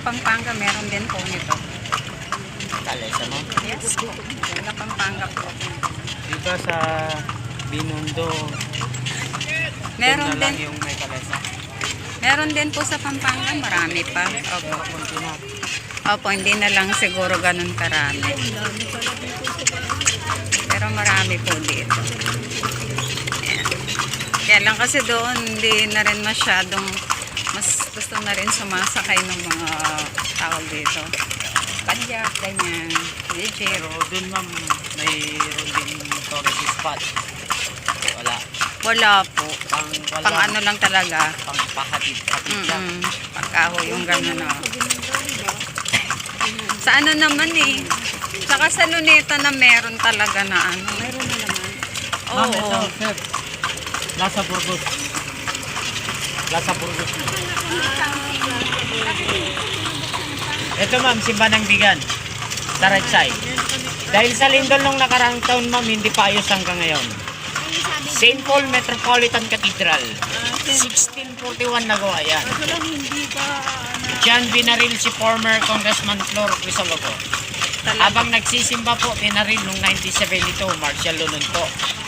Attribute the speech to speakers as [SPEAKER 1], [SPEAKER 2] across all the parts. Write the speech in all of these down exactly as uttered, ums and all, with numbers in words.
[SPEAKER 1] Pampanga, meron din po nito.
[SPEAKER 2] Kalesa mo?
[SPEAKER 1] Yes po. Taga Pampanga po.
[SPEAKER 2] Dito sa Binondo,
[SPEAKER 1] Meron
[SPEAKER 2] doon na lang
[SPEAKER 1] din.
[SPEAKER 2] yung may kalesa.
[SPEAKER 1] Meron din po sa Pampanga, marami pa. Opo.
[SPEAKER 2] Kunti na.
[SPEAKER 1] Opo, hindi na lang siguro ganun karami. Pero marami po dito. Ayan. Kaya lang kasi doon, hindi na rin masyadong, mas gusto na rin sumasakay ng mga tawag dito. Padyak, ganyan. Legit.
[SPEAKER 2] Pero doon ma'am, mayroon din tourist spot. Wala.
[SPEAKER 1] Wala po.
[SPEAKER 2] Pang, wala.
[SPEAKER 1] Pang ano lang talaga.
[SPEAKER 2] Pang pahatid-hatid lang.
[SPEAKER 1] Mm-mm. Pagkaho yung gano'n. Oh. Sa ano naman eh. Saka sa Luneta na meron talaga na ano. Meron na naman. Oo.
[SPEAKER 2] Ma'am, ito, sir. Lasa Burgos. Lasa Burgos. Ito ma'am, Simba ng Bigan. Sa right side. Dahil sa lindol nung nakaraang taon ma'am, hindi pa ayos hanggang ngayon. Saint Paul Metropolitan Cathedral. sixteen forty-one nagawa yan. Diyan binaril si former Congressman Flor Crisologo. Habang nagsisimba po, binaril nung nineteen seventy-two, Marshal Lunun po.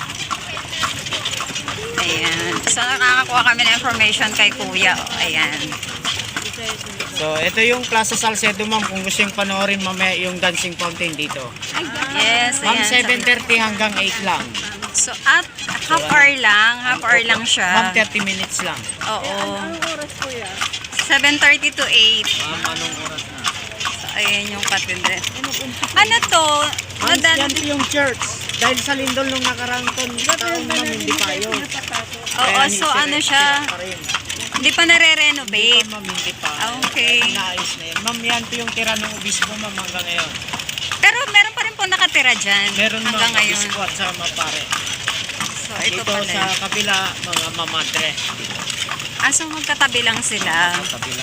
[SPEAKER 1] Ayan. So nakakakuha kami ng information kay Kuya. Oh, ayan.
[SPEAKER 2] So, ito yung Plaza Salcedo ma'am. Kung gusto yung panoorin mamaya yung dancing fountain dito.
[SPEAKER 1] Yes,
[SPEAKER 2] Ma'am,
[SPEAKER 1] ayan.
[SPEAKER 2] seven thirty hanggang eight lang.
[SPEAKER 1] So at half hour lang. Half hour lang
[SPEAKER 2] Ma'am,
[SPEAKER 1] siya.
[SPEAKER 2] thirty minutes lang.
[SPEAKER 1] Oo. seven thirty to eight.
[SPEAKER 2] Ma'am, anong oras na?
[SPEAKER 1] So ayan yung katedral. Ano to?
[SPEAKER 2] Ma'am,
[SPEAKER 1] Nadan-
[SPEAKER 2] yan po yung church. Dahil sa lindol nung nakarang taon, taon ma'am, hindi pa yun.
[SPEAKER 1] Oo, so ano siya? Hindi pa nare-renovate.
[SPEAKER 2] Hindi pa, ma'am, hindi pa.
[SPEAKER 1] Ah, okay.
[SPEAKER 2] Inaayos na yan. Ma'am, yan po yung tira ng obispo, ma'am, hanggang ngayon.
[SPEAKER 1] Pero meron pa rin po nakatira dyan.
[SPEAKER 2] Meron
[SPEAKER 1] hanggang
[SPEAKER 2] mga
[SPEAKER 1] ngayon.
[SPEAKER 2] obispo at sa mapare.
[SPEAKER 1] So ito
[SPEAKER 2] Dito
[SPEAKER 1] pala.
[SPEAKER 2] sa kabila, mga mamadre.
[SPEAKER 1] Ah, so magkatabi lang sila.
[SPEAKER 2] Sa kabila.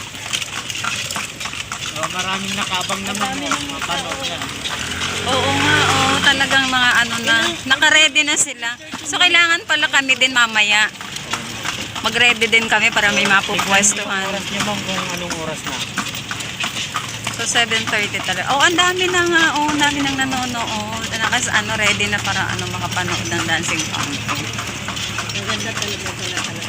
[SPEAKER 2] So, maraming nakabang naman mo. Mapanood na.
[SPEAKER 1] Oo nga, oo. Talagang mga ano na. Naka-ready na sila. So kailangan pala kami din mamaya. Mag-ready din kami para may mapupwestuhan.
[SPEAKER 2] Oras niyo, ma'am, kung anong oras na.
[SPEAKER 1] So seven thirty talaga. Oh, ang dami na nga. Oh, ang dami nang nanonood. Nakas ano, ready na para ano makapanood ng dancing fountain. Ang ganda talaga pala talaga.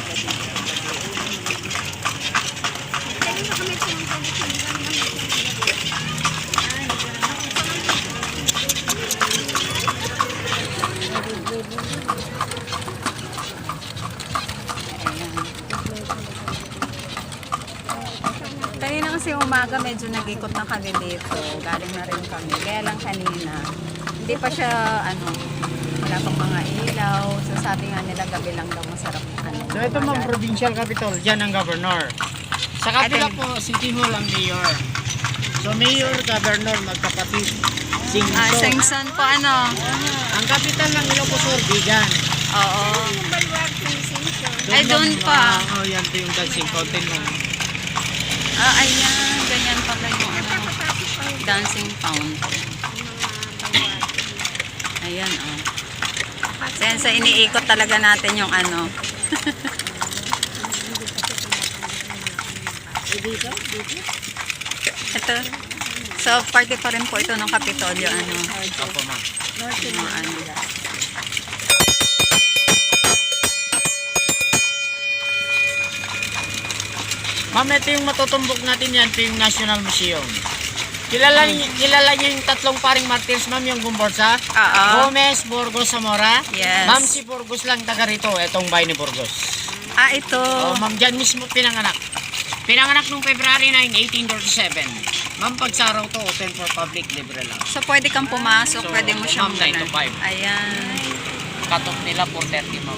[SPEAKER 1] Kanina kasi umaga medyo nag-ikot na kami dito. Galing na rin kami. Kaya lang kanina, hindi pa siya, ano, wala pang mga ilaw. So sabi nga nila gabi lang daw masarap. Ano,
[SPEAKER 2] So ito ma'am, provincial capital, dyan ang governor. Sa kabila
[SPEAKER 1] Ate.
[SPEAKER 2] po, City Hall ang mayor. So mayor, governor, magkapatid. Singso.
[SPEAKER 1] Ah, Sengson po ano?
[SPEAKER 2] Ang capital ng Ilocos Sur, Bigan.
[SPEAKER 1] Oo. Ay, doon pa.
[SPEAKER 2] Oo, oh, yan po yung dancing fountain mo.
[SPEAKER 1] Ah, ayan. Ganyan pala yung ano, dancing fountain. Ayan, oh. Sen, sa iniikot talaga natin yung ano. Ito. So, party pa rin po ito ng Kapitolyo, ano.
[SPEAKER 2] Opo ma'am.
[SPEAKER 1] Yung mga ano.
[SPEAKER 2] Ma'am, ito yung matutumbok natin yan, ito yung National Museum. Kilala, niyo- kilala niyo yung tatlong paring martyrs, ma'am, yung Gumborsa?
[SPEAKER 1] Oo.
[SPEAKER 2] Gomez, Burgos, Zamora?
[SPEAKER 1] Yes.
[SPEAKER 2] Ma'am, si Burgos lang taga rito, itong bahay ni Burgos.
[SPEAKER 1] Ah, ito.
[SPEAKER 2] Oh, ma'am, dyan mismo pinanganak. Pinanganak noong February nine, eighteen thirty-seven. Ma'am, pag sa araw to, open for public, libre lang.
[SPEAKER 1] So, pwede kang pumasok.
[SPEAKER 2] So,
[SPEAKER 1] Pwede mo siyang
[SPEAKER 2] ma'am, nine to five.
[SPEAKER 1] Ayan.
[SPEAKER 2] Cut-off nila four thirty, ma'am.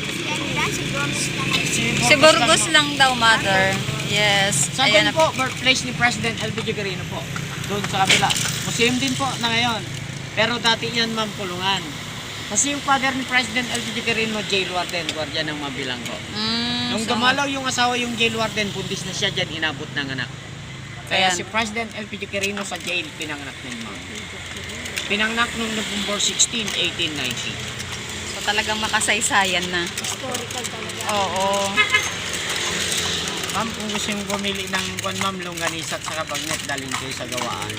[SPEAKER 1] Si Burgos lang daw, mother. Yes.
[SPEAKER 2] Sa
[SPEAKER 1] Ayan
[SPEAKER 2] doon
[SPEAKER 1] na
[SPEAKER 2] po, birthplace ni President L B J Quirino po. Doon sa kabila. Museum din po na ngayon. Pero dati yan, ma'am, kulungan. Kasi yung father ni President L B J Quirino, jail warden, gwardiya ng Mabilanggo.
[SPEAKER 1] Mm,
[SPEAKER 2] Nung
[SPEAKER 1] so,
[SPEAKER 2] dumalaw yung asawa yung jail warden, bundis na siya dyan, inabot ng anak. Kaya
[SPEAKER 1] Ayan.
[SPEAKER 2] si President L P J Quirino sa jail, pinanganak din, ma'am. Pinanganak nung November sixteen, eighteen ninety.
[SPEAKER 1] So talagang makasaysayan na.
[SPEAKER 3] Historical talaga.
[SPEAKER 1] Oo.
[SPEAKER 2] Ma'am, kung gusto yung bumili ng kwan ma'am, longganisa at saka bagnet, dalhin kayo sa gawaan.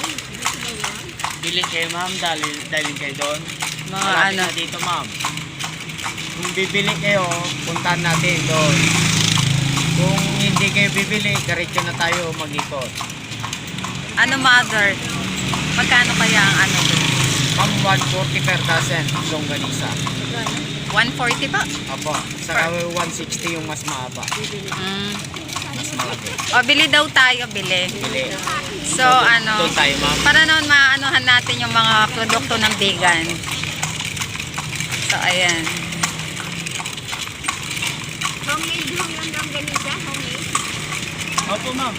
[SPEAKER 2] Bili kayo ma'am, dalhin, dalhin kayo doon.
[SPEAKER 1] Mga
[SPEAKER 2] Malapit
[SPEAKER 1] ano.
[SPEAKER 2] na dito ma'am. Kung bibili kayo, puntahan natin doon. Kung hindi kayo bibili, diretso na tayo mag-ikot.
[SPEAKER 1] Ano mother? Magkano kaya ang ano doon?
[SPEAKER 2] Ma'am, one forty per dozen, longganisa.
[SPEAKER 1] one forty ba?
[SPEAKER 2] Apo, saka one sixty yung mas mahaba.
[SPEAKER 1] Mm.
[SPEAKER 2] Mas malaki.
[SPEAKER 1] O, bili daw tayo, bili.
[SPEAKER 2] Bili.
[SPEAKER 1] So, ano,
[SPEAKER 2] Doon tayo ma'am.
[SPEAKER 1] para noon maanuhan natin yung mga produkto ng vegan. So, ayan.
[SPEAKER 3] Homemade home yung longganisa, homemade.
[SPEAKER 2] Opo ma'am.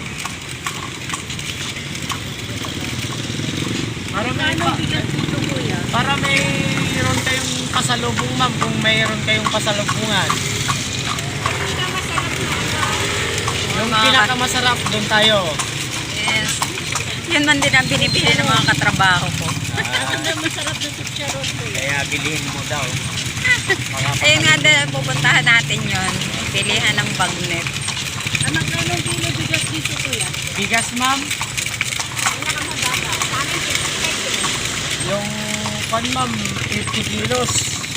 [SPEAKER 2] Para may pa, para mayroon kayong pasalubong ma'am, kung mayroon kayong pasalubungan. Yung
[SPEAKER 1] Mga-
[SPEAKER 2] pinakamasarap, doon tayo.
[SPEAKER 1] Yes. Yun man din ang binibili ng mga katrabaho ko.
[SPEAKER 2] Ah,
[SPEAKER 3] Masarap na chicharon ko.
[SPEAKER 2] kaya bilhin mo daw.
[SPEAKER 1] Ayun nga din, pupuntahan natin yun. Pilihan ng bagnet.
[SPEAKER 3] Ang magkano kilo bigas dito kuya?
[SPEAKER 2] Bigas ma'am,
[SPEAKER 3] Pinakamababa. Sa amin, fifty-five kilo.
[SPEAKER 2] yung pan ma'am, fifty kilos.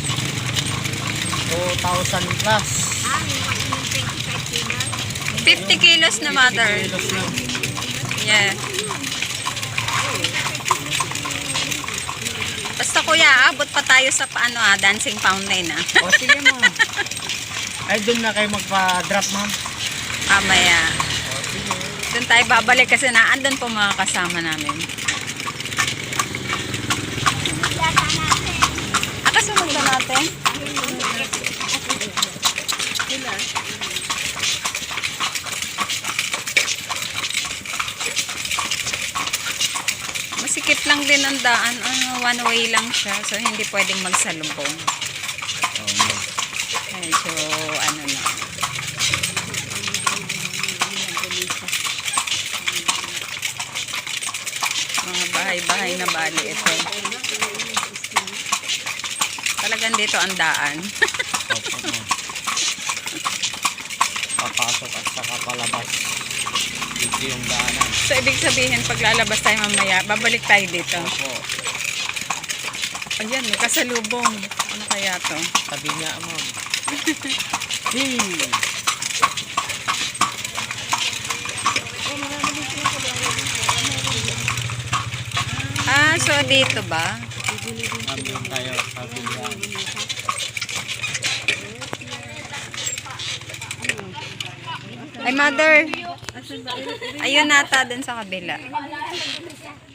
[SPEAKER 2] two thousand plus.
[SPEAKER 3] Ah, yung yung twenty-five kilos.
[SPEAKER 1] fifty kilos na mother.
[SPEAKER 2] Kilos lang.
[SPEAKER 1] Yeah. Basta kuya, abot pa tayo sa paano ah, dancing fountain ah.
[SPEAKER 2] O sige ma'am. Ay, doon na kayo magpa-drop ma'am.
[SPEAKER 1] Mamaya.
[SPEAKER 2] O sige.
[SPEAKER 1] Doon tayo babalik kasi naandun po mga kasama namin.
[SPEAKER 3] Yata natin.
[SPEAKER 1] Ah, kasunod na natin? Masikip lang din ang daan. Ano, one way lang siya. So, hindi pwedeng magsalubong.
[SPEAKER 2] Oo, ma'am.
[SPEAKER 1] Medyo, ano na. Mga bahay-bahay na bali ito. Talagang dito ang daan.
[SPEAKER 2] Opo, ma'am. Papasok at saka palabas. Dito yung daanan.
[SPEAKER 1] So, ibig sabihin, pag lalabas tayo mamaya, babalik tayo dito.
[SPEAKER 2] Opo.
[SPEAKER 1] Ayan, may kasalubong. Ano kaya to?
[SPEAKER 2] Tabi niya, ma'am. Hmm.
[SPEAKER 1] Ah, so dito ba?
[SPEAKER 2] Ma'am, doon tayo. Tabi niya.
[SPEAKER 1] Ay, mother. Ayun nata dun sa kabila.